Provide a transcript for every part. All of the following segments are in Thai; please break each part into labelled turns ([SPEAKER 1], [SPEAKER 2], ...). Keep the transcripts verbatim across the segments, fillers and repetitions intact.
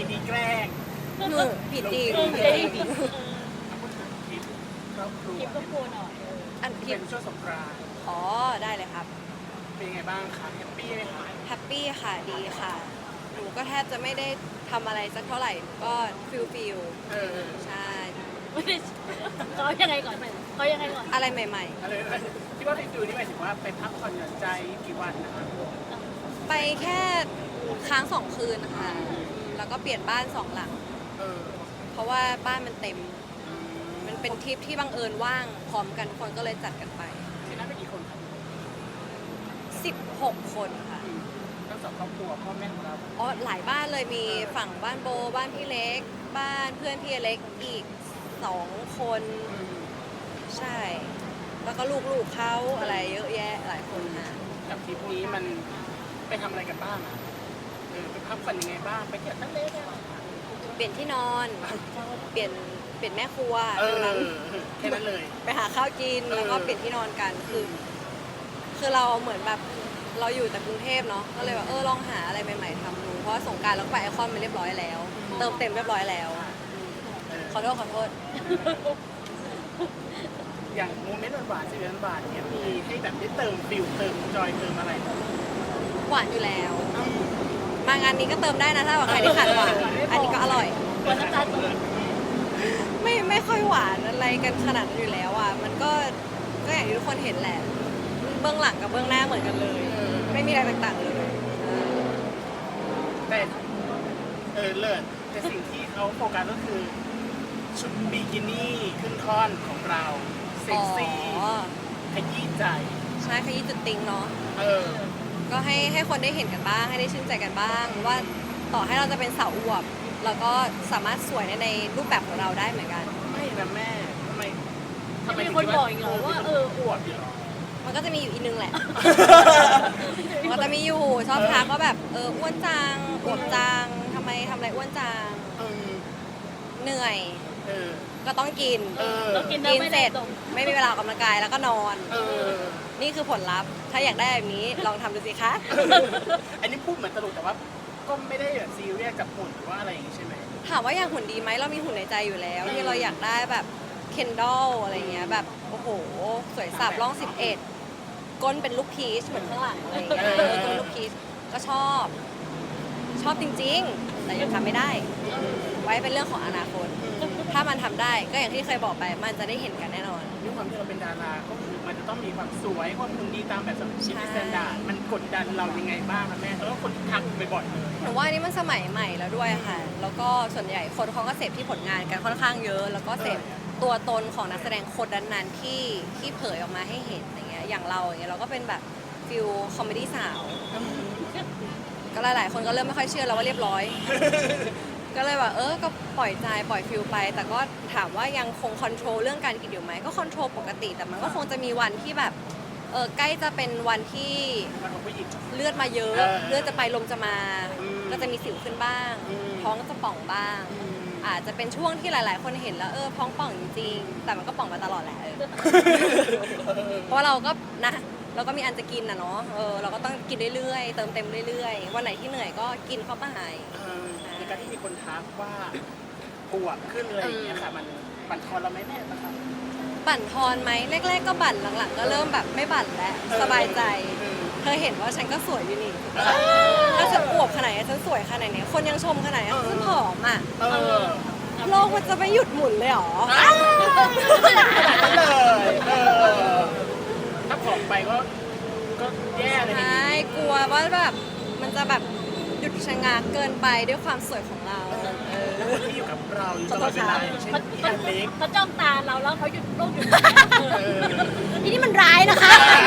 [SPEAKER 1] กินีแกล้ง
[SPEAKER 2] เออผิดจริง
[SPEAKER 3] เออ
[SPEAKER 2] ผิดจริง
[SPEAKER 1] พูดถึงทริปครอบครัว
[SPEAKER 3] คลิปก็โพสหน่อยเออ
[SPEAKER 2] อันผิ
[SPEAKER 1] เป็
[SPEAKER 2] ด
[SPEAKER 1] นช่วงสงกรานต์
[SPEAKER 2] อ๋อได้เลยครับ
[SPEAKER 1] เป็นยังไงบ้างคะแฮปปี้ไหมคะ
[SPEAKER 2] แฮปปี้ค่ะดีค่ะหนูก็แทบจะไม่ได้ทำอะไรสักเท่าไหร่หนูก็ฟิลฟิล
[SPEAKER 1] เออ
[SPEAKER 2] ใช่
[SPEAKER 3] ไม่ได้เขายังไงก่อนเขายังไงก่อน
[SPEAKER 2] อะไรใหม่
[SPEAKER 1] อะไรนะที่ว่าไปดูนี่หมายถึงว่าไปพักผ่อนหย่อนใจกี่วันนะคะ
[SPEAKER 2] ๆ ไปแค่ค้างสองคืนค่ะแล้วก็เปลี่ยนบ้านสองหลัง
[SPEAKER 1] เออ
[SPEAKER 2] เพราะว่าบ้านมันเต็ม มันเป็นทริปที่บังเอิญว่างพร้อมกันทุกคนก็เลยจัดกันไป
[SPEAKER 1] ที่นั่นไปกี่คนครับ
[SPEAKER 2] สิบหกคนค่ะ
[SPEAKER 1] อืมทั้งสองครอบครัวพ่อแม่ของเรา
[SPEAKER 2] อ๋อหลายบ้านเลยมีฝั่งบ้านโบบ้านพี่เล็ก บ้านเพื่อนพี่เล็กอีกสองคน
[SPEAKER 1] อืม
[SPEAKER 2] ใช่ แล้วก็ลูกๆเขาอะไรเยอะแยะหลายคนค่ะ
[SPEAKER 1] กับทริปนี้มันไปทำอะไรกันบ้างอะเออไปพักผ่อนยังไงบ้างไปเที่ยวทะเลเนี่ย
[SPEAKER 2] เปลี่ยนที่นอน เปลี่ยนเปลี่ยนแม่ครัว
[SPEAKER 1] เออ
[SPEAKER 2] ตรงนั้น
[SPEAKER 1] แค่นั้นเลย
[SPEAKER 2] ไปหาข้าวกิน
[SPEAKER 1] เออ
[SPEAKER 2] แล้วก็เปลี่ยนที่นอนกันคือ คือเราเหมือนแบบเราอยู่แต่กรุงเทพเนาะก็เลยแบบเออลองหาอะไรใหม่ๆทำดูเพราะว่าสงกรารเราก็ไปไอคอนมาเรียบร้อยแล้ว เติมเต็มเรียบร้อยแล้ว
[SPEAKER 1] เออ
[SPEAKER 2] ขอโทษขอโทษ
[SPEAKER 1] อย่างโมเมนต์หวานๆสิบหวานๆเนี้ยมีให้แบบได้เติมฟิลเติมจอยเติมอะไร
[SPEAKER 2] หวานอยู่แล้ว มางานนี้ก็เติมได้นะถ้าว่าใครที่ขาดหวานอันนี้ก็อร่อย
[SPEAKER 3] วันน้ำตาลตก
[SPEAKER 2] ไม่ไม่ค่อยหวานอะไรกันขนาดนั้นอยู่แล้วอ่ะมันก็ก็อย่างที่ทุกคนเห็นแหละ เบื้องหลังกับเบื้องหน้าเหมือนกันเลย ไม่มีอะไรต่างๆเลยเออ
[SPEAKER 1] แต่เออเลิศแต่สิ่งที่เขาโฟกัสก็คือ ชุดบิกินี่ขึ้นท่อนของเราเซ็กซี่
[SPEAKER 2] อ๋อ
[SPEAKER 1] ขยี้ใจ
[SPEAKER 2] ใช่ขยี้จุดติงเนาะ
[SPEAKER 1] เออ
[SPEAKER 2] ก็ให้ให้คนได้เห็นกันบ้าง ให้ได้ชื่นใจกันบ้าง ว่าต่อให้เราจะเป็นสาวอวบเราก็สามารถสวยในในรูปแบบของเราได้เหมือนกัน
[SPEAKER 1] ไม่นะแม่ทำไมทำไม
[SPEAKER 3] มี
[SPEAKER 1] ถึง
[SPEAKER 3] คน
[SPEAKER 1] ด
[SPEAKER 3] บอ
[SPEAKER 1] ว่าก
[SPEAKER 3] อีกเหรอว่าเออ
[SPEAKER 1] อวดอยู่เหรอ
[SPEAKER 2] มันก็จะมีอยู่อีกนึงแหละ มันก็จะมีอยู่ชอบทักว่าแบบเอออ้วนจังอวบจังทำไมทำอะไรอ้วนจัง
[SPEAKER 1] เออ
[SPEAKER 2] เหนื่อย
[SPEAKER 1] เออ
[SPEAKER 2] ก็ต้องกิน
[SPEAKER 1] เออ
[SPEAKER 3] เรากิน
[SPEAKER 2] กิน
[SPEAKER 3] ไม่
[SPEAKER 2] เส
[SPEAKER 3] ได้
[SPEAKER 2] ร็จ
[SPEAKER 3] ตรง
[SPEAKER 2] ไม่มีเวลาออกกำลังกายแล้วก็นอน
[SPEAKER 1] เออ
[SPEAKER 2] นี่คือผลลัพธ์ ถ้าอยากได้แบบนี้ลองทำดูสิคะ
[SPEAKER 1] อันนี้พูดเหมือนตลกแต่ว่าก็ไม่ได้แบบซีเรียสกับหุ่นหรือว่าอะไรอย่างงี้ใช่ไหม
[SPEAKER 2] ถามว่าอยากหุ่นดีไหมเรามีหุ่นในใจอยู่แล้ว ที่เราอยากได้แบบเคนดอลอะไรเงี้ยแบบโอ้โห สวยสับร่องสิบเอ็ดก้นเป็นลูกพีชเหมือนข้างหลังอะไรเงี้ยเออก้นลูกพีชก็ชอบ ชอบจริงๆ แต่ยังทำไม่ได้ ไว้เป็นเรื่องของอนาคต ถ้ามันทำได้ก็อย่างที่เคยบอกไปมันจะได้เห็นกันแน่นอน
[SPEAKER 1] ด้วยความที่เราเป็นดาราก็คือมันจะต้องมีความสวยความหุ่นดีตามแบบส
[SPEAKER 2] ใช่
[SPEAKER 1] แตนดาร์ดมันกดดันเรายังไงบ้างคะแม่แล้วก็คนทักบ่อยๆเลย
[SPEAKER 2] หนูว่าอันนี้มันสมัยใหม่แล้วด้วยค่ะ แล้วก็ส่วนใหญ่คนเขาก็เสพที่ผลงานกันค่อนข้างเยอะ แล้วก็เสพตัวตนของนักแสดงคนนั้นๆที่ที่เผยออกมาให้เห็นอย่างเงี้ย อย่างเราอย่างเงี้ยเราก็เป็นแบบฟิลคอมเมดี้สาว ก็หลายๆ คนก็เริ่มไม่ค่อยเชื่อแล้วว่าเรียบร้อย ก็เลยแบบเออ ก็ปล่อยใจปล่อยฟิลไป แต่ก็ถามว่ายังคงคอนโทรลเรื่องการกินอยู่ไหม ก็คอนโทรลปกติ แต่มันก็คงจะมีวันที่แบบ เออใกล้จะเป็นวันที่
[SPEAKER 1] มันของผู้หญิง
[SPEAKER 2] เลือดมาเยอะ
[SPEAKER 1] เออ
[SPEAKER 2] เลือดจะไปลมจะมา
[SPEAKER 1] อืม
[SPEAKER 2] ก็จะมีสิวขึ้นบ้าง
[SPEAKER 1] อืม
[SPEAKER 2] ท้องจะป่องบ้าง
[SPEAKER 1] อืม
[SPEAKER 2] อาจจะเป็นช่วงที่หลาย ๆ คนเห็นแล้วเออท้องป่องจริงๆ แต่มันก็ป่องมาตลอดแหละเออ เพราะเราก็นะเราก็มีอันจะกินนะเนาะเออเราก็ต้องกินเรื่อยๆ เติมเต็มเรื่อยๆ วันไหนที่เหนื่อยก็กินเข้าไป
[SPEAKER 1] เออในการที่มีคนทักว่าอวบขึ้นอะไรอย่างเงี้ยค่ะ มันบั่นทอนเราไหมแม่นะครับ
[SPEAKER 2] บั่นทอนไหมแรก ๆ ก็บั่นหลัง ๆ ก็เริ่มแบบไม่บั่นแล้วสบายใจ เธอเห็นว่าฉันก็สวยอยู่นี่ถ้าฉันอวบขนาดนี้ฉันสวยขนาดนี้คนยังชมขนาดนี้ฉันผอมอ่ะ
[SPEAKER 1] เออ
[SPEAKER 2] โลกมันจะไม่หยุดหมุนเลยเหรอ
[SPEAKER 1] นั่นเลยเออถ้าผอมไปก็ก็แย่เลยที
[SPEAKER 2] ใช่
[SPEAKER 1] นี้
[SPEAKER 2] กลัวว่าแบบมันจะแบบหยุดชะงักเกินไปด้วยความสวยของเราเออ
[SPEAKER 1] แล้วคนที่อยู่กับเราอยู่ตลอดเวลาอย่างเช่น
[SPEAKER 3] เขา
[SPEAKER 1] พี่อันเล็ก
[SPEAKER 3] เขาจ้องตาเราแล้วเขาหยุดโลกหยุด
[SPEAKER 1] เออ
[SPEAKER 2] ทีนี้มันร้ายนะคะ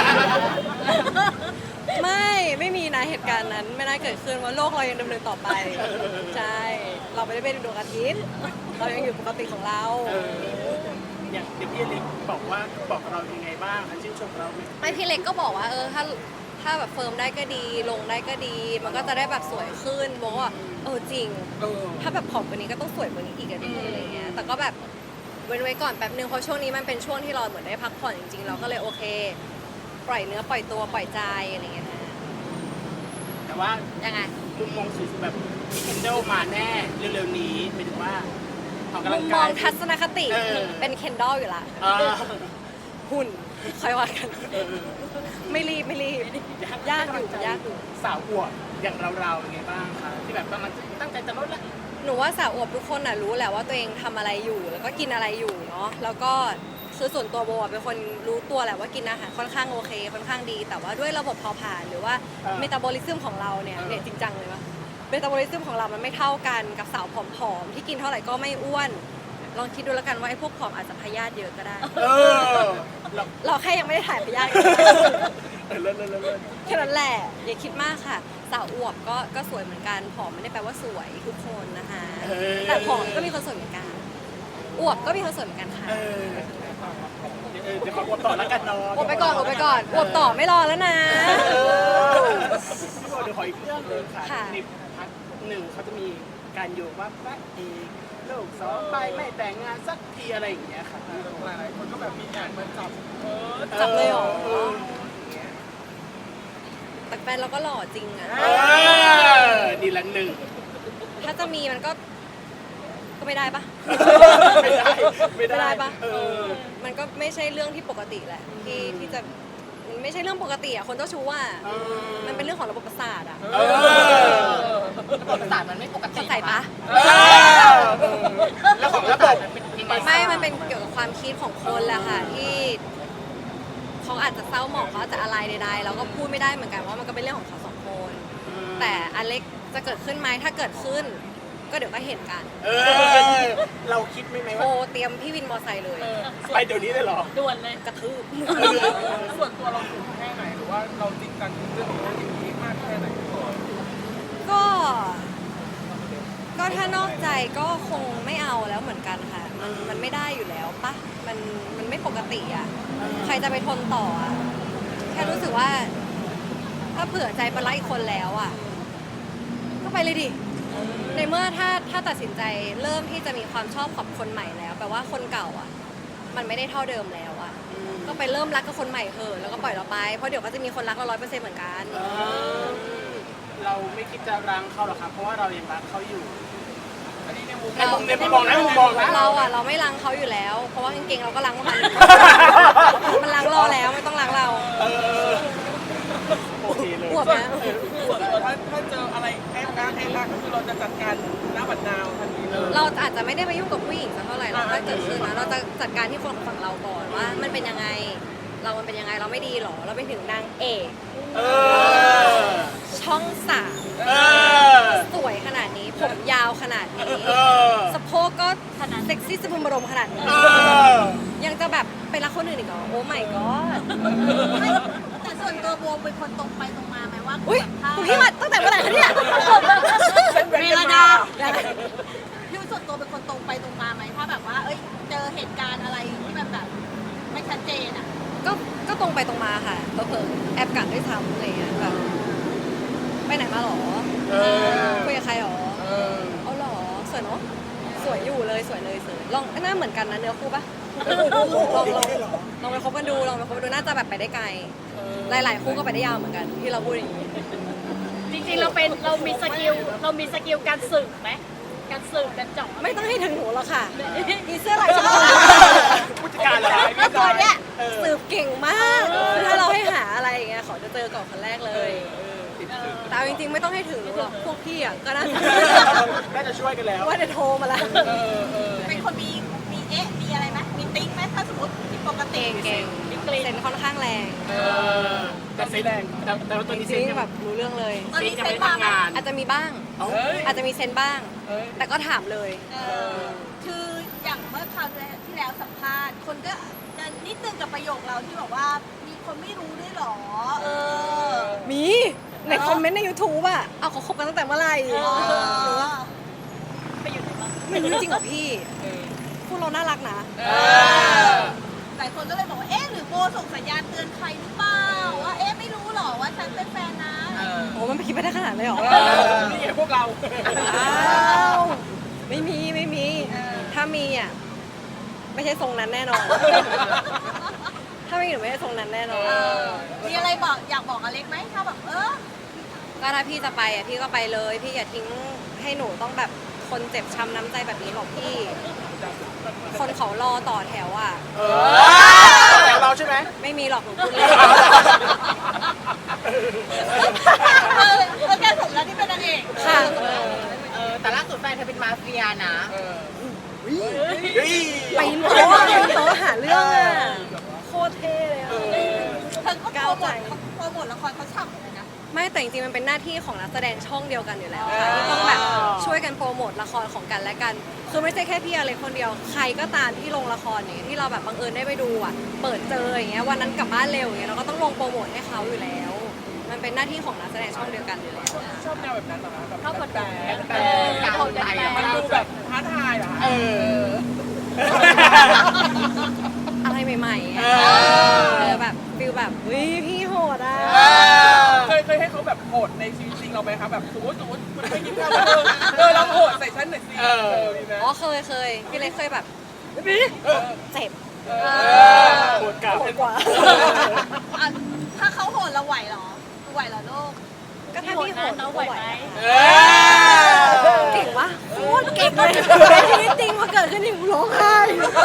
[SPEAKER 2] ไม่ไม่มีนะเหตุการณ์นั้นไม่น่าเกิดขึ้นว่าโลกเรายังดำเนินต่อไปใช่เราไม่ได้เป็นดวงอาทิตย์เรายังอยู่ปกติของเรา
[SPEAKER 1] เอออย่างเด็กพี่อันเล็กบอกว่าบอกเรายังไงบ้างคะชื่นชมเราไหม
[SPEAKER 2] ไม่พี่เล็กก็บอกว่าเออถ้าถ้าแบบเฟิร์มได้ก็ดีลงได้ก็ดี มันก็จะได้แบบสวยขึ้นบอกว่าเออจริง
[SPEAKER 1] เออ
[SPEAKER 2] ถ้าแบบผอมกว่านี้ก็ต้องสวยกว่านี้อีกอะดีอะไรเงี้ย แต่ก็แบบเว้นไว้ก่อนแป๊บนึงเพราะช่วงนี้มันเป็นช่วงที่เราเหมือนได้พักผ่อนจริงๆ เราก็เลยโอเค ปล่อยเนื้อปล่อยตัวปล่อยใจอะไรเงี้ยนะ
[SPEAKER 1] แต่ว่า
[SPEAKER 2] ยังไง
[SPEAKER 1] มุมมองสวยแบบมี Kindle มาแน่เร็วๆนี้หมายถึงว่าออกกำลัง
[SPEAKER 2] ม
[SPEAKER 1] กา
[SPEAKER 2] อย งทัศนคติ
[SPEAKER 1] เออ
[SPEAKER 2] เป็นเคนดอลอยู่ละ
[SPEAKER 1] เออ
[SPEAKER 2] หุ่นค่อยว่ากัน
[SPEAKER 1] เออ
[SPEAKER 2] ไม่รีบไม่รีบ ยากอยู่ยากอยู่
[SPEAKER 1] สาวอวบอย่างเราๆเป็นไงบ้างคะที่แบบกำลังตั้งใจจะลดละ
[SPEAKER 2] หนูว่าสาวอวบทุกคนน่ะรู้แหละว่าตัวเองทำอะไรอยู่ แล้วก็กินอะไรอยู่เนาะแล้วก็คือส่วนตัวโบอะเป็นคนรู้ตัวแหละว่ากินอาหารค่อนข้างโอเค ค่อนข้างดี แต่ว่าด้วยระบบเผาผลาญหรือว่าเมตาบอลิซึมของเราเนี่ยเนี่ยจริงจังเลยว่าเมตาบอลิซึมของเรามันไม่เท่ากันกับสาวผอมๆที่กินเท่าไหร่ก็ไม่อ้วน ลองคิดดูแล้วกันว่าไอ้พวกผอมอาจจะพยาธิเยอะก็ได้
[SPEAKER 1] เออเรา
[SPEAKER 2] เราแค่ยังไม่ได้ถ่ายพยาธิ
[SPEAKER 1] เออเลิศเลิศเลิศเลิศ
[SPEAKER 2] แค่นั้นแหละอย่าคิดมากค่ะ สาวอวบก็ก็สวยเหมือนกันผอมไม่ได้แปลว่าสวยทุกคนนะคะ
[SPEAKER 1] เออ
[SPEAKER 2] แต่ผอมก็มีคนสวยเหมือนกันอวบก็มีคนสวยเหมือนกันค่ะ
[SPEAKER 1] เออเออเดี๋ยวขออวบต่อแล้วกันเนาะ
[SPEAKER 2] อวบไปก่อนอวบไปก่อนอวบต่อไม่รอแล้วนะ
[SPEAKER 1] เออพี่โบเดี๋ยวขออีกเรื่องหนึงค่ะ
[SPEAKER 2] ค่ะ
[SPEAKER 1] ในพักหนึ่งเขาจะมีการโยงว่าพระเอกลูกสองไปไม่แต่งงานสักทีอะไรอย่างเงี้ยค่ะ
[SPEAKER 4] หลายๆคนก็แบบมีแอบมาจับเออ
[SPEAKER 2] จับเลยเหรอ
[SPEAKER 1] เออ
[SPEAKER 2] แต่แฟนเราก็หล่อจริงอะ
[SPEAKER 1] เออดีละหนึ่ง
[SPEAKER 2] ถ้าจะมีมันก็ก็ไม่ได้ปะ
[SPEAKER 1] ไม่ได้ไม่
[SPEAKER 2] ไม่
[SPEAKER 1] ได้
[SPEAKER 2] ได้ปะ
[SPEAKER 1] เออ
[SPEAKER 2] มันก็ไม่ใช่เรื่องที่ปกติแหละที่ที่จะมันไม่ใช่เรื่องปกติอะคนเจ้าชู้อะ
[SPEAKER 1] เออ
[SPEAKER 2] มันเป็นเรื่องของระบบประสาทอะ
[SPEAKER 1] เออ
[SPEAKER 4] ระบบประสาทมันไม่ปกติ
[SPEAKER 2] เข้าใจปะ
[SPEAKER 1] เออแล้วของระบบเป็นยังไง
[SPEAKER 2] ไม่ มันเป็นเกี่ยวกับความคิดของคนแหละค่ะที่เขาอาจจะเศร้าหมองเขาอาจจะอะไรใดๆเราก็พูดไม่ได้เหมือนกันว่ามันก็เป็นเรื่องของเขาสองคน แต่อเล็กจะเกิดขึ้นไหมถ้าเกิดขึ้น ก็เดี๋ยวก็เห็นกัน
[SPEAKER 1] เออเราคิดไหมไหม
[SPEAKER 2] โทร
[SPEAKER 1] ว่า
[SPEAKER 2] เตรียมพี่วินมอไซค์เลย
[SPEAKER 1] ไปเดี๋ยวนี้เลยเหรอ
[SPEAKER 3] ด่วนเลย
[SPEAKER 2] กระทืบ
[SPEAKER 4] ส่วนตัวเราถูกแค่ไหนหรือว่าเราจริงจังเรื่องของสิ่งนี้มากแค่ไหนก่อน
[SPEAKER 2] ก็ ก็ถ้านอกใจก็คงไม่เอาแล้วเหมือนกันค่ะ มันมันไม่ได้อยู่แล้วปะมันมันไม่ปกติอ่ะ ใครจะไปทนต่ออ่ะ แค่รู้สึกว่า ถ้าเผื่อใจไปรักอีกคนแล้วอ่ะ ก็ไปเลยดิ ในเมื่อถ้าถ้าตัดสินใจเริ่มที่จะมีความชอบกับคนใหม่แล้วแปลว่าคนเก่าอ่ะ มันไม่ได้เท่าเดิมแล้วอ่ะ ก็ไปเริ่มรักกับคนใหม่เถอะแล้วก็ปล่อยเราไป เพราะเดี๋ยวก็จะมีคนรักเราร้อยเปอร์เซ็นต์เหมือนกัน
[SPEAKER 1] เออเราไม่คิดจะรังเขาหรอกครับ เพราะว่าเรายังรักเขาอยู่
[SPEAKER 4] อันนี้ในมุม
[SPEAKER 1] ในมุมในมุมมองนะมุมมองนะ
[SPEAKER 2] เราอ่ะเราไม่รังเขาอยู่แล้ว เพราะว่ากางเกงเราก็รังมัน มันรังเราแล้วไม่ต้องรังเรา
[SPEAKER 1] เออโอเคเลย
[SPEAKER 2] อวบนะ
[SPEAKER 1] เออ
[SPEAKER 4] ส่วนตัวถ้าถ้าเจออะไรแอบการแอบรักก็คือเราจะจัดการหน้าบัดนาวทันทีเลย
[SPEAKER 2] เราอาจจะไม่ได้ไปยุ่งกับผู้หญิงสักเท่าไหร่หรอกถ้าเกิดขึ้นนะเราจะจัดการที่คนฝั่งเราก่อนว่า มันเป็นยังไง เรามันเป็นยังไงเราไม่ดีหรอ เราไปถึงนางเอก
[SPEAKER 1] เออ
[SPEAKER 2] ช่องสาม
[SPEAKER 1] เออ
[SPEAKER 2] สวยขนาดนี้ ผมยาวขนาดนี้
[SPEAKER 1] เออ
[SPEAKER 2] สะโพกก็ขนาดเซ็กซี่สะบุมบรมขนาดนี้
[SPEAKER 1] เออ
[SPEAKER 2] ยังจะแบบไปรักคนอื่นอีกเหรอโอ้ไม่ก็
[SPEAKER 3] แต่ส่วนตัวโบเป็นคนตรงไปตรงมาไหมว่า
[SPEAKER 2] อุ้ย
[SPEAKER 3] ถ้า
[SPEAKER 2] คุณพี่มาตั้งแต่เมื่อไหร่คะเนี่ย
[SPEAKER 3] เวลาดา
[SPEAKER 2] ได้
[SPEAKER 3] พี่ส่วนตัวเป็นคนตรงไปตรงมาไหมถ้าแบบว่า เอ้ย เจอเหตุการณ์อะไรที่มันแบบไม่ชัดเจนอ่ะ
[SPEAKER 2] ก็ก็ตรงไปตรงมาค่ะเผลอๆแอบกัดด้วยซ้ำอะไรเงี้ยแบบไปไหนมาหรอ
[SPEAKER 1] เออ
[SPEAKER 2] คุยกับใครหรอ
[SPEAKER 1] เออ
[SPEAKER 2] เอาหรอสวยเนาะสวยอยู่เลยสวยเลยสวยลองหน้าเหมือนกันนะเนื้อคู่ปะลองลองลองไปคบกันดูลองไปคบกันดูน่าจะแบบไปได้ไกล หลาย ๆ คู่ก็ไปได้ยาวเหมือนกันที่เราพูดอย่างนี้
[SPEAKER 3] จริงๆเราเป็นเรามีสกิลเรามีสกิลการสืบไหมการสืบการเจาะ
[SPEAKER 2] ไม่ต้องให้ถึงหนูหรอกค่ะมีเสื้อลายชมพู
[SPEAKER 1] ผู้จัดการเหรอ
[SPEAKER 2] แล้วตัวเนี้ย
[SPEAKER 1] เออ
[SPEAKER 2] สืบเก่งมากถ้าเราให้หาอะไรอย่างเงี้ยขอจะเจอก่อนคนแรกเลย แต่เอาจริงๆ ไม่ต้องให้ถึงหนูหรอกพวกพี่อ่ะก็น่าจะ
[SPEAKER 1] น่าจะช่วยกันแล้ว
[SPEAKER 2] ว่าจะโทรมาละ
[SPEAKER 3] เป็นคนมีมีเอ๊ะมีอะไรไหมมีติ๊งไหมถ้าสมมติผิดปกติ
[SPEAKER 2] เก่งเก่งเซนค่อนข้างแรง
[SPEAKER 1] เออแต่เซ็นแรงแต่แต่ว่าตัวนี้
[SPEAKER 2] จ
[SPEAKER 1] เซ็น
[SPEAKER 2] ริง
[SPEAKER 1] ยัง
[SPEAKER 2] ๆแบบรู้เรื่องเลย
[SPEAKER 3] ตอน
[SPEAKER 1] เซ็น
[SPEAKER 3] นี้
[SPEAKER 1] ยัง
[SPEAKER 3] เซ็
[SPEAKER 1] ไม่
[SPEAKER 3] น
[SPEAKER 1] ได้
[SPEAKER 3] มา
[SPEAKER 1] ทำงาน
[SPEAKER 2] อาจจะมีบ้าง
[SPEAKER 1] เอ้า
[SPEAKER 2] อาจจะมีเซนบ้าง แต่ก็ถามเลย
[SPEAKER 3] เออคืออย่างเมื่อคราวที่แล้วสัมภาษณ์ คนก็จะนิดนึงกับประโยคเราที่บอกว่ามีคนไม่รู้ด้วยเหรอ เออ
[SPEAKER 2] มีในคอมเมนต์ใน YouTube อ่ะเอาเขาคบกันตั้งแต่เมื่อไหร่
[SPEAKER 3] เออ
[SPEAKER 2] ไปอยู่ไหนบ้างไม่รู้จริงเหรอพี่พวกเราน่ารักนะ
[SPEAKER 1] เออ
[SPEAKER 3] หลายคนก็เลยบอกว่า เอ๊ะ หรือโบส่งสัญญาณเตือนใครหรือเปล่า ว่า เอ๊ะ ไม่รู้เหรอว่าฉันเป็นแฟนนะ
[SPEAKER 2] โอ้มันไปคิดไปได้ขนาดเลยเหรอ
[SPEAKER 4] นี่ไงพวกเรา
[SPEAKER 2] อ้าวไม่มีไม่มี ถ้ามีอ่ะไม่ใช่ทรงนั้นแน่นอน ถ้าไม่มีหนูไม่ใช่ทรงนั้นแน่นอน
[SPEAKER 3] เออ มีอะไรบอกอยากบอกอเล็กไหมถ้าแบบ เออ
[SPEAKER 2] ก็ถ้าพี่จะไปอ่ะพี่ก็ไปเลย พี่อย่าทิ้งให้หนูต้องแบบคนเจ็บช้ำน้ำใจแบบนี้หรอกพี่ คนเขารอต่อแถวอ่ะ
[SPEAKER 1] เออแต่เราใช่ไหม
[SPEAKER 2] ไม่มีหรอกหนูพูดเล่น
[SPEAKER 3] เออเออแกสมแล้วที่เป็นนางเอก
[SPEAKER 2] ค่ะ
[SPEAKER 5] เออแต่ล่าสุดแฟนเธอเป็นมาเฟียนะ
[SPEAKER 4] เออ
[SPEAKER 2] ไปโต๊ะไปโต๊ะหาเรื่องอ่ะโคตรเท่เลยอะ
[SPEAKER 3] เธอก็โปรโมทโปรโมทละครเขาฉ่ำเลยนะ
[SPEAKER 2] ไม่แต่จริงๆมันเป็นหน้าที่ของนักแสดงช่องเดียวกันอยู่แล้วค่ะที่ต้องแบบช่วยกันโปรโมทละครของกันและกัน คือไม่ใช่แค่พี่อเล็กคนเดียวใครก็ตามที่ลงละครอย่างเงี้ยที่เราแบบบังเอิญได้ไปดูอ่ะเปิดเจออย่างเงี้ยวันนั้นกลับบ้านเร็วอย่างเงี้ยเราก็ต้องลงโปรโมทให้เขาอยู่แล้ว มันเป็นหน้าที่ของนักแสดงช่องเดียวกันอยู่แล้ว
[SPEAKER 4] ชอบแนวแบบนั้นเหรอคะแบบ
[SPEAKER 3] ชอบกดดัน
[SPEAKER 4] แต่แต่มันดูแบบท้าทายเหรอคะ
[SPEAKER 1] เออ
[SPEAKER 2] อะไรใหม่ๆอะเออแบบฟิลแบบวิพี่โหดอ่ะ
[SPEAKER 4] เคยเคยให้เขาแบบโหดในชีวิตจริงเราไหมคะแบบสมมติสมมติมันไม่กินข้าวเออเออเราโหดใส่ฉันหน่อยสิเออมีไหม
[SPEAKER 2] อ๋อเคยเคยพี่เล็กเคยแบบ
[SPEAKER 4] เออ
[SPEAKER 2] เจ็บ
[SPEAKER 4] เอ
[SPEAKER 1] โหดกลับ
[SPEAKER 2] โหดกว่า
[SPEAKER 3] อ่ะถ้าเขาโหดเราไหวเหรอไหวเหรอลูก
[SPEAKER 2] ก็ถ้าพี่โหดก็ไหว
[SPEAKER 1] เออ
[SPEAKER 2] เก่งวะโคตรเก่งเลยชีวิตจริงมาเกิดขึ้นหนึ่งร้องไห้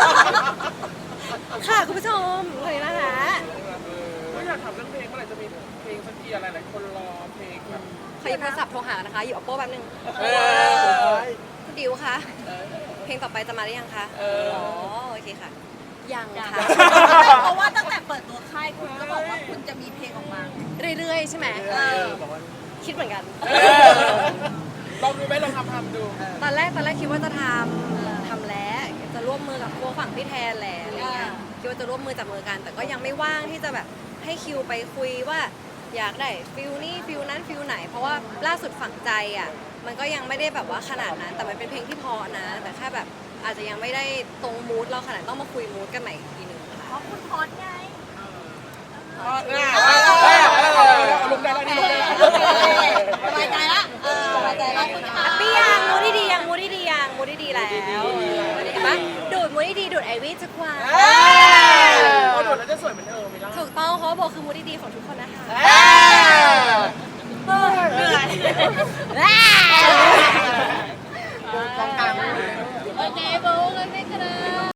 [SPEAKER 2] ค่ะคุณผู้ชมเลยนะคะ
[SPEAKER 4] ก็อยากถามเรื่องเพลงเมื่อไหร่จะมีเพลงสักทีอะไรหลายคนรอเพลงแบบ
[SPEAKER 2] ขอหยิบโทรศัพท์โทรหานะคะอยู่ oppo แป๊บนึง
[SPEAKER 1] เออ
[SPEAKER 2] คุณดิวคะเพลงต่อไปจะมาหรือยังคะอ๋อโอเคค่ะ ยังค่ะ
[SPEAKER 3] เพราะว่าตั้งแต่เปิดตัวค่ายคุณก็บอกว่าคุณจะมีเพลงออกมา
[SPEAKER 2] เรื่อยๆใช่ไหม
[SPEAKER 1] เออบอกว่า
[SPEAKER 2] คิดเหมือนกัน
[SPEAKER 4] ลองดูไหมลองทำทำดู
[SPEAKER 2] ตอนแรกตอนแรกคิดว่าจะทำทำแล้วจะร่วมมือกับพวกฝั่งพี่แทนแหละอะไรเงี้ยคิดว่าจะร่วมมือจับมือกัน แต่ก็ยังไม่ว่างที่จะแบบให้คิวไปคุยว่าอยากได้ฟิลนี่ฟิลนั้นฟิลไหน เพราะว่าล่าสุดฝังใจอ่ะมันก็ยังไม่ได้แบบว่าขนาดนั้น แต่มันเป็นเพลงที่เพอนะ แต่แค่แบบอาจจะยังไม่ได้ตรงมูดเราขนาดต้องมาคุยมูดกันใหม่อีกทีหนึ่งค่ะ
[SPEAKER 3] เพราะคุณพอดไง
[SPEAKER 4] อ๋อเนี่ยลงได้แล้วนี่ลงได้แล้ว
[SPEAKER 3] สบายใจละเออสบายใจละคุณค่ะ
[SPEAKER 2] พี่ยังมูดดีๆยังมูดดีๆยังมูดดีๆแล้วเห็นปะดูดมูดดีๆดูดไอวี่จะกว่า
[SPEAKER 4] พอโดดแล้วจะสวยเหมือนเธอไม่ได้
[SPEAKER 2] ถูกต้องเพราะว่าโบคือมูดดีๆของทุกคนนะคะ
[SPEAKER 1] เออ